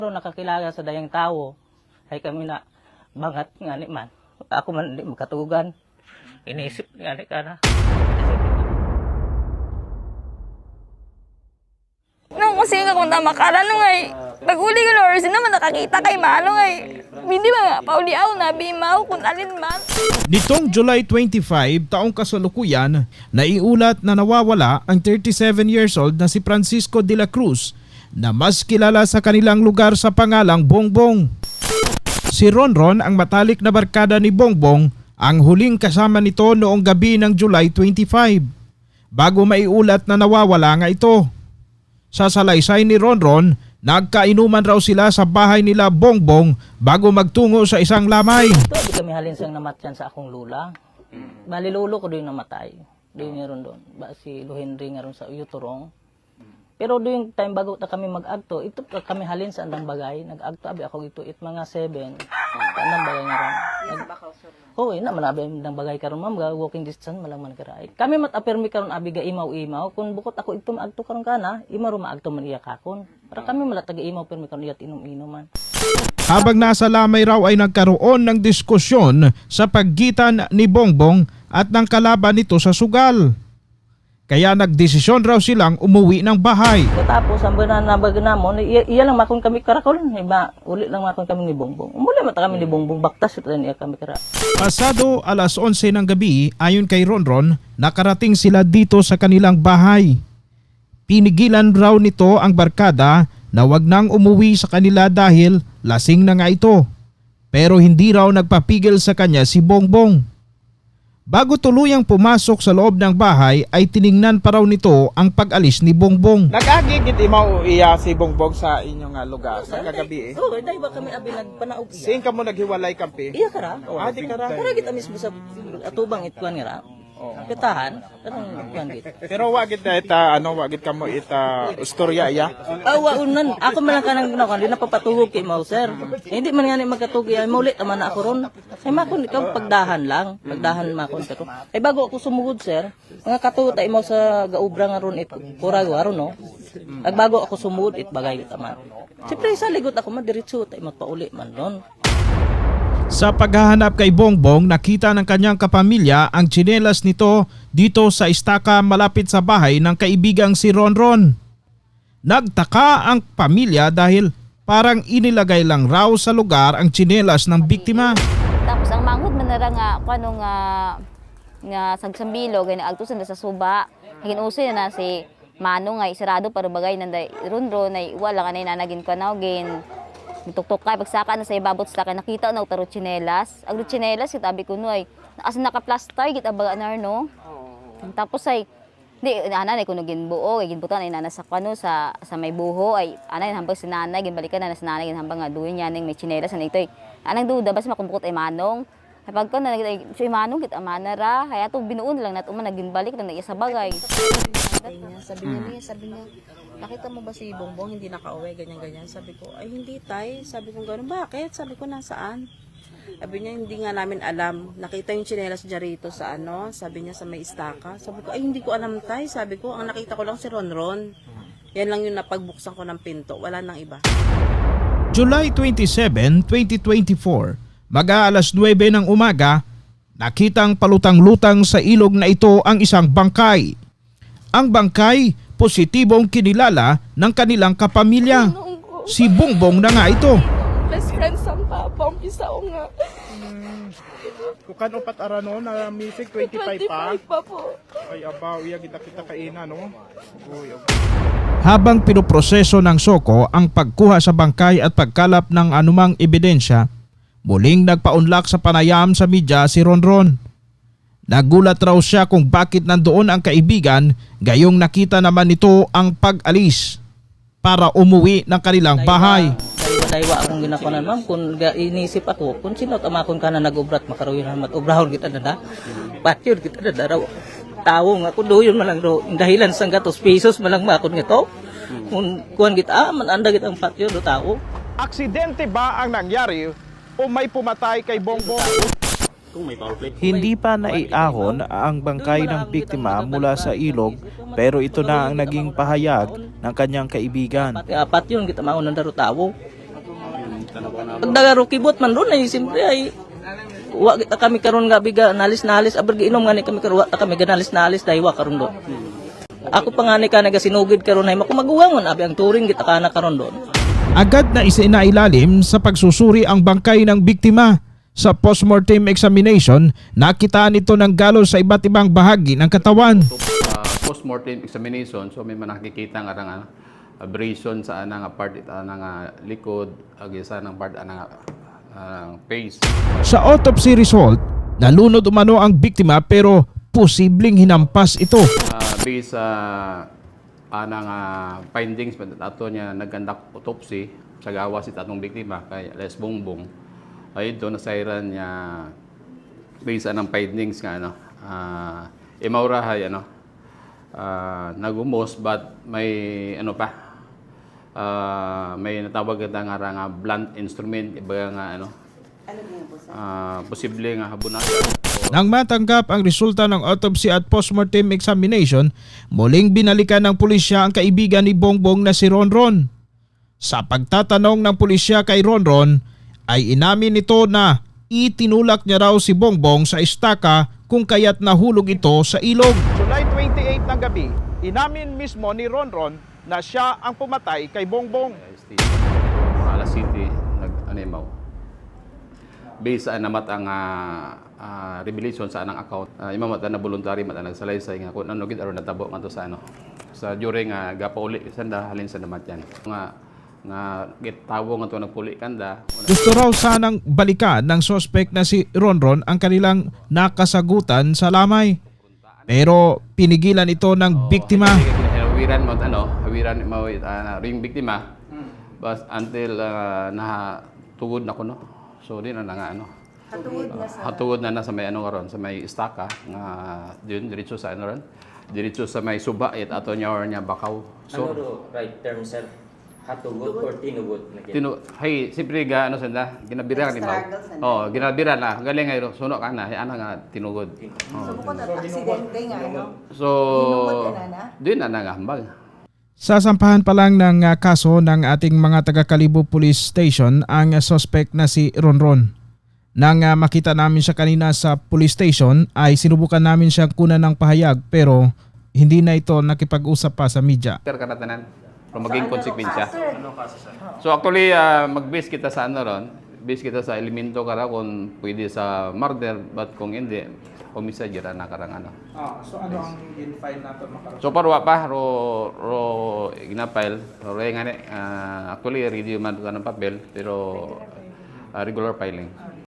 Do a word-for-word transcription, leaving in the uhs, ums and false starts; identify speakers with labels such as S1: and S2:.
S1: Pero nakakilala sa dayang tao, ay kami na bangat nga ni man. Ako man hindi makatugan. Inisip nga ni ka na.
S2: Nung kasi ka kung tama ka na nung ay, pag-uli ko na orsin naman nakakita kay Manong ay, hindi ba nga, pauli ako na, bimaw kung alin man.
S3: Nitong July twenty-five, taong kasalukuyan, naiulat na nawawala ang thirty-seven years old na si Francisco de la Cruz na mas kilala sa kanilang lugar sa pangalang Bongbong. Si Ronron, ang matalik na barkada ni Bongbong, ang huling kasama nito noong gabi ng July twenty-five, bago maiulat na nawawala nga ito. Sa salaysay ni Ronron, nagkainuman raw sila sa bahay nila Bongbong bago magtungo sa isang lamay.
S1: Ito, di kami halin siyang namatyan sa akong lula. Bali lolo ko doon namatay. Doon nga ron doon. Ba, si Luhenry nga ron sa Uturong. Pero doon yung time bago na kami mag-agto, ito kami halin sa andang bagay. Nag-agto, abi ako ito, it mga seven. Sa andang bagay nga ron. Oo, oh, ina, manabi andang bagay karon ma'am, walking distance, malang man karay. Kami mat-apirmi karon abi ga imaw-imaw. Kung bukot ako ito mag-agto karon kana, ima ro ma-agto man iya kakon. Para kami malatag imaw pirmi karon iyat inom-inuman.
S3: Habang nasa lamay raw ay nagkaroon ng diskusyon sa pagitan ni Bongbong at ng kalaban nito sa sugal. Kaya nagdesisyon raw silang umuwi ng bahay.
S1: Tapos ang bananabag namon, iya, iya lang makon kami karakol, iba uli lang makon kami ni Bongbong. Umuli mata kami ni Bongbong, baktas ito niya kami kara.
S3: Pasado alas onse ng gabi, ayon kay Ronron, nakarating sila dito sa kanilang bahay. Pinigilan raw nito ang barkada na wag nang umuwi sa kanila dahil lasing na nga ito. Pero hindi raw nagpapigil sa kanya si Bongbong. Bago tuluyang pumasok sa loob ng bahay ay tiningnan pa raw nito ang pag-alis ni Bongbong.
S4: Nag-agigit imaw iya si Bongbong sa inyong uh, lugar sa kagabi eh.
S1: Oo, dahil ba kami abi nagpanaog iya.
S4: Siin ka mo naghiwalay kampi?
S1: Iya kara.
S4: Ah, di kara.
S1: Kara kita mismo sa atubang itkuan nga ra. Pitahan, kanang itkuan git.
S4: Pero wagit na ita, ano, wagit ka mo ita istorya iya?
S1: Awa unan, ako man lang kanang ginawa, di na papatugog kay Mau sir. Hindi man nga ni magkatugog, ay maulit naman na ako ron. Ay makon ikaw pagdahan lang, pagdahan makon pero. Ay bago ako sumugod sir, mga katuot ay mo sa gaubra nga ron it, purago aron no. Ag bago ako sumugod it bagay kita man. Siyempre sa ligot ako madiretso tay magpauli man ron.
S3: Sa paghahanap kay Bongbong, nakita ng kanyang kapamilya ang tsinelas nito dito sa istaka malapit sa bahay ng kaibigang si Ronron. Nagtaka ang pamilya dahil parang inilagay lang raw sa lugar ang tsinelas ng biktima.
S2: Tapos ang manghod man nara nga, kano nga, nga sagsambilo, gaya naagtusan na sa suba, naginuso na si Manong nga, isarado para bagay nanday Ronron, ay wala ka na inanagin ko na, gin, nituktok kay pagsaka na sa ibabot sa kay nakita na utaro tsinelas. Agro tsinelas kitabi ko no ay asa naka-plaster git abaga na no. Tapos ay di ana na kuno ginbuo ay ginbutan ay nana sa kano sa sa may buho ay ana hambang si nanay ginbalikan na sa nanay hambang nga duyon nya ning may tsinelas na ito ay anang duda bas makumpukot ay Manong. Ay pagka na ay si Manong git amana ra hay ato binuon lang nat uman naginbalik lang na iya sa bagay.
S5: Sabi niya, niya, sabi niya, nakita mo ba si Bongbong hindi nakauwi, ganyan-ganyan. Sabi ko, ay hindi tay. Sabi ko gano'n, bakit? Sabi ko, nasaan? Sabi niya, hindi nga namin alam. Nakita yung tsinelas niya rito sa ano, sabi niya sa may istaka. Sabi ko, ay hindi ko alam tay. Sabi ko, ang nakita ko lang si Ronron. Yan lang yung napagbuksan ko ng pinto, wala nang iba.
S3: July twenty-seventh, twenty twenty-four, mag-aalas nuwebe ng umaga, nakitang palutang-lutang sa ilog na ito ang isang bangkay. Ang bangkay, positibong kinilala ng kanilang kapamilya. Si Bongbong na nga ito.
S2: Best friend sa papa, ang isa o nga.
S4: Kukan upat arano na music twenty-five pa.
S2: pa po.
S4: Ay abaw, iya kita kita kaina no. Uy,
S3: Habang pinoproseso ng Soko ang pagkuha sa bangkay at pagkalap ng anumang ebidensya, muling nagpaunlak sa panayam sa media si Ronron. Nagulat raw siya kung bakit nandoon ang kaibigan, gayong nakita naman nito ang pag-alis para umuwi ng kanilang bahay.
S1: Daywa akong ginakunan ma'am, kung ga- inisip ako, kung sino tamakon ka na nag-ubrat, makarawin na mat-ubrahon kita na da. Patyod kita na da raw. Tao nga kung doon man lang raw, dahilan sang gatos pesos malang makon nga to. Kung kuhan kita, ah, mananda kita ang patyod do tao.
S4: aksidente ba ang nangyari o may pumatay kay Bongbong?
S6: Hindi pa naiahon ang bangkay ng biktima mula sa ilog pero ito na ang naging pahayag ng kanyang kaibigan.
S1: Pati apat yun, kita maunang daro tao. Pagdagaro kibot man ron ay siyempre ay wa kita kami karon nga biga nalis nalis aber giinom nga ni kami karon wa ta kami ganalis nalis dahil wa karon doon. Ako pa nga ni ka nagasinugid karon ay makumaguwangon abi ang turing kita kana karon doon.
S3: Agad na isinailalim sa pagsusuri ang bangkay ng biktima. Sa postmortem examination, nakitaan ito ng galos sa iba't ibang bahagi ng katawan.
S7: uh, post-mortem examination, so may manakikita nga nga abrasion sa anang part ita nang likod ag isa nang part anang uh, face.
S3: Sa autopsy result, nalunod umano ang biktima pero posibleng hinampas ito.
S7: Uh, based sa anang uh, findings pa ato niya nag-conduct autopsy sa gawa si tatong biktima kay Les Bongbong. Ay ito nasairan niya based sa anang findings nga ano uh, imaurahay ano uh, nagumos but may ano pa uh, may natawag kita nga nga blunt instrument iba nga ano uh, posible nga habunagan.
S3: Nang matanggap ang resulta ng autopsy at postmortem examination, muling binalikan ng pulisya ang kaibigan ni Bongbong na si Ronron. Sa pagtatanong ng pulisya kay Ronron, ay inamin nito na itinulak niya raw si Bongbong sa estaka kung kaya't nahulog ito sa ilog.
S4: July twenty-eight ng gabi, inamin mismo ni Ronron na siya ang pumatay kay Bongbong.
S7: Alas City nag-animaw. Based sa namat ang uh, uh, revelation sa anang account, uh, imamata na voluntary mata nagsalaysay nga kung ano gid aron natabo nga to sa ano sa during nga uh, gapauli sanda halin sa namat yan. Nga nga gitawo nga to nagpuli kanda.
S3: Gusto raw sanang balikan ng suspect na si Ronron ang kanilang nakasagutan sa lamay. Pero pinigilan ito ng biktima.
S7: Hawiran mo ano, hawiran mo uh, ring biktima. But until uh, nahatugod na ko no. So di na nga ano. Hatugod na sa hatugod na na sa may ano karon sa may istaka nga diyon diretso sa ano ron. Diretso sa may suba it ato nya or nya bakaw. So
S8: ano do right term sir? Hatugod or tinugod na
S7: Tinu hay siyempre ga ano sanda ginabira ni Mau. Oh, ginabira na galing ngayon suno ka na ana nga tinugod. Oh.
S9: So bukod at aksidente nga ano.
S7: So di na na nga hambal.
S3: Sasampahan pa lang ng uh, kaso ng ating mga taga-Kalibo Police Station ang uh, suspect na si Ronron. Nang uh, makita namin siya kanina sa police station ay sinubukan namin siyang kunan ng pahayag pero hindi na ito nakipag-usap pa sa media.
S7: Ter kanatanan para maging konsekwensya. So actually uh, mag-base kita sa ano ron, base kita sa elemento kara kung pwede sa murder but kung hindi homicide jara na karang ano.
S3: Ah, so ano ang in-file nato makaroon?
S7: So parwa pa ro ro ginapile ro re nga uh, actually ready man ka ng papel pero uh, regular filing.